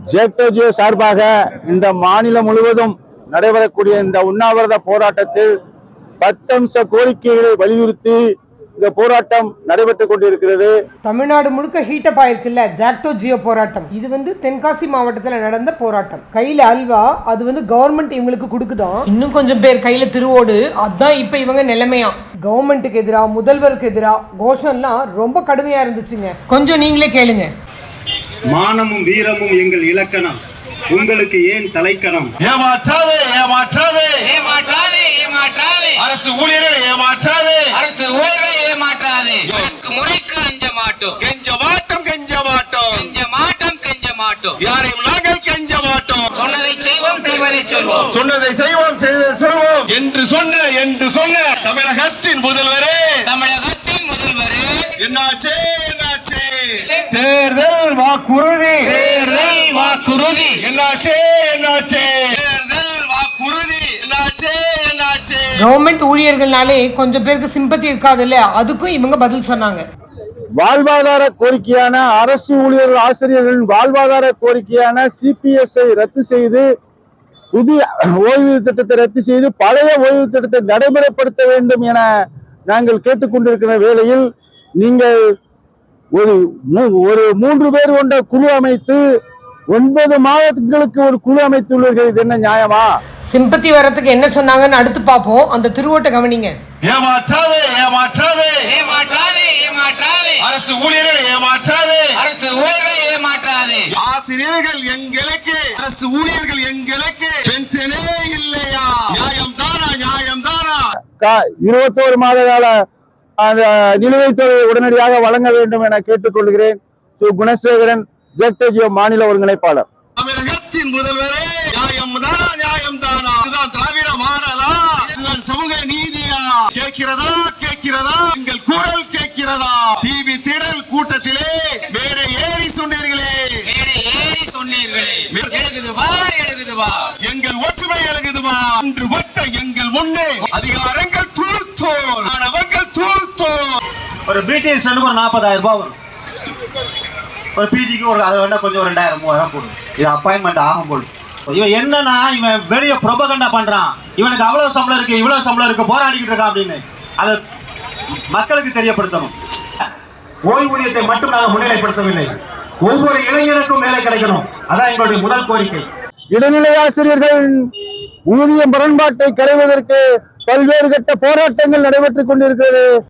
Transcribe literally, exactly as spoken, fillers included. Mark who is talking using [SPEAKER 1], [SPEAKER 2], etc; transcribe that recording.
[SPEAKER 1] ஜேக்டோஜியோ சார்பாக இந்த மாநிலம் முழுவதும் நடைபெறக்கூடிய இந்த உண்ணாவிரத போராட்டத்தில் பத்தம்ச கோரிக்கைகளை வலியுறுத்தி இந்த போராட்டம் நடைபெற்றுக் கொண்டிருக்கிறது.
[SPEAKER 2] தமிழ்நாடு முழுக்க ஹீட்டப் ஆயிருக்குல்ல ஜாக்டோஜியோ போராட்டம். இது வந்து தென்காசி மாவட்டத்தில் நடந்த போராட்டம். கையில அல்வா, அது வந்து கவர்மெண்ட் இவங்களுக்கு கொடுக்குதான். இன்னும் கொஞ்சம் பேர் கையில திருவோடு. அதான் இப்ப இவங்க நிலைமையா. கவர்மெண்ட்டுக்கு எதிராக, முதல்வருக்கு எதிராக கோஷம்லாம் ரொம்ப கடுமையா இருந்துச்சுங்க. கொஞ்சம் நீங்களே கேளுங்க.
[SPEAKER 3] மானமும் வீரமும் எங்கள் இலக்கணம், உங்களுக்கு ஏன் தலைக்கணம்?
[SPEAKER 4] ஏமாற்றாதே ஏமாற்றாதே
[SPEAKER 5] ஏமாற்றாதே ஏமாற்றாதே
[SPEAKER 4] அரசு ஊழியர்களை ஏமாற்றாதே
[SPEAKER 5] அரசு ஊழியர்களை ஏமாற்றாதே. எனக்கு முறைக்கு அஞ்ச மாட்டோம்,
[SPEAKER 4] கெஞ்ச மாட்டோம் கெஞ்ச மாட்டோம்
[SPEAKER 5] கெஞ்ச மாட்டோம் கெஞ்ச மாட்டோம்.
[SPEAKER 4] யாரையும் நாங்கள் கெஞ்ச மாட்டோம்.
[SPEAKER 5] சொன்னதை செய்வோம், செய்வதை சொல்வோம்.
[SPEAKER 4] சொன்னதை செய்வோம், செய்வதை சொல்வோம் என்று சொன்ன என்று சொன்ன தமிழகத்தின் முதல்வரே
[SPEAKER 5] தமிழகத்தின் முதல்வரே
[SPEAKER 4] என்னாச்சே என்னாச்சே
[SPEAKER 1] தேர்தல் வாக்குறுதி
[SPEAKER 5] தேர்தல் வாக்குறுதி
[SPEAKER 4] என்னாச்சே என்னாச்சே
[SPEAKER 5] தேர்தல் வாக்குறுதி
[SPEAKER 4] என்னாச்சே என்னாச்சே
[SPEAKER 2] கவர்மெண்ட் ஊழியர்கள்னாலே கொஞ்சம் பேருக்கு சிம்பத்தி இருக்காது இல்ல, அதுக்கும் இவங்க பதில் சொன்னாங்க.
[SPEAKER 1] வாழ்வாதார கோரிக்கையான அரசு ஊழியர்கள் ஆசிரியர்களின் வாழ்வாதார கோரிக்கையான சிபிஎஸ்ஐ ரத்து செய்து புதிய ஓய்வு திட்டத்தை ரத்து செய்து பழைய ஓய்வு திட்டத்தை நடைமுறைப்படுத்த வேண்டும் என நாங்கள் கேட்டுக்கொண்டிருக்கிற வேளையில் நீங்கள் ஒரு ஒரு மூன்று பேர் கொண்ட குழு அமைத்து ஒன்பது மாதங்களுக்கு ஒரு குழு அமைத்துள்ளீர்கள். இது என்ன நியாயமா?
[SPEAKER 2] சிம்பத்தி வர்றதுக்கு என்ன சொன்னாங்கன்னு அடுத்து பார்ப்போம். அந்த திருவோட்ட கவனிங்க.
[SPEAKER 4] ஏமாற்றாதே ஏமாற்றாதே
[SPEAKER 5] ஏமாற்றாதே ஏமாற்றாதே
[SPEAKER 4] அரசு ஊழியர்களை ஏமாற்றாதே
[SPEAKER 5] அரசு ஊழியர்களை ஏமாற்றாதே.
[SPEAKER 4] ஆசிரியர்கள் எங்களுக்கு, அரசு ஊழியர்கள் எங்களுக்கு பென்ஷனே இல்லையா? நியாயம் தானா நியாயம் தானா?
[SPEAKER 1] இருபத்தோரு மாத கால அந்த நிலுவைத் தொகையை உடனடியாக வழங்க வேண்டும் என கேட்டுக்கொள்கிறேன். குணசேகரன், ஜேக்டோஜியோ மாநில ஒருங்கிணைப்பாளர்.
[SPEAKER 4] தமிழகத்தின் முதல்வரே, நியாயம் தானா நியாயம் தானா? இதுதான் திராவிட மாடலா? இதுதான் சமூக நீதியா? கேட்கிறதா கேட்கிறதா? எங்கள் குரல் கேட்கிறதா? டிவி திடல் கூட்டத்திலே மேடை ஏறி சொன்னீர்களே,
[SPEAKER 5] மேடை ஏறி சொன்னீர்களே, எழுகுது வா எழுகுது வா,
[SPEAKER 4] எங்கள் ஒற்றுமை எழுகுதுமா? இன்று ஒட்ட எங்கள் முன்னே அதிகாரங்கள் தூள் தோல், மாணவர்கள் தூள் தோல்.
[SPEAKER 6] ஒரு பிடிஎஸ்க்கு ஒரு நாற்பதாயிரம் ரூபாய் வரும். ஒரு பிஜிக்கு ஒரு அதை வேணா கொஞ்சம் ஒரு ரெண்டாயிரம் மூவாயிரம் போடும். இது அப்பாயின்மெண்ட் ஆகும் போது இவன் என்னன்னா இவன் வெளியே ப்ரொபகண்டா பண்றான். இவனுக்கு அவ்வளவு சம்பளம் இருக்கு, இவ்வளவு சம்பளம் இருக்கு, போராடிக்கிட்டு இருக்கான் அப்படின்னு அதை மக்களுக்கு தெரியப்படுத்தணும். ஓய்வூதியத்தை மட்டும் நாங்கள் முன்னிலைப்படுத்தவில்லை, ஒவ்வொரு இளைஞருக்கும் வேலை கிடைக்கணும். அதான் எங்களுடைய முதல் கோரிக்கை.
[SPEAKER 1] இடைநிலை ஆசிரியர்கள் ஊதிய முரண்பாட்டை களைவதற்கு பல்வேறு கட்ட போராட்டங்கள் நடைபெற்றுக் கொண்டிருக்கிறது.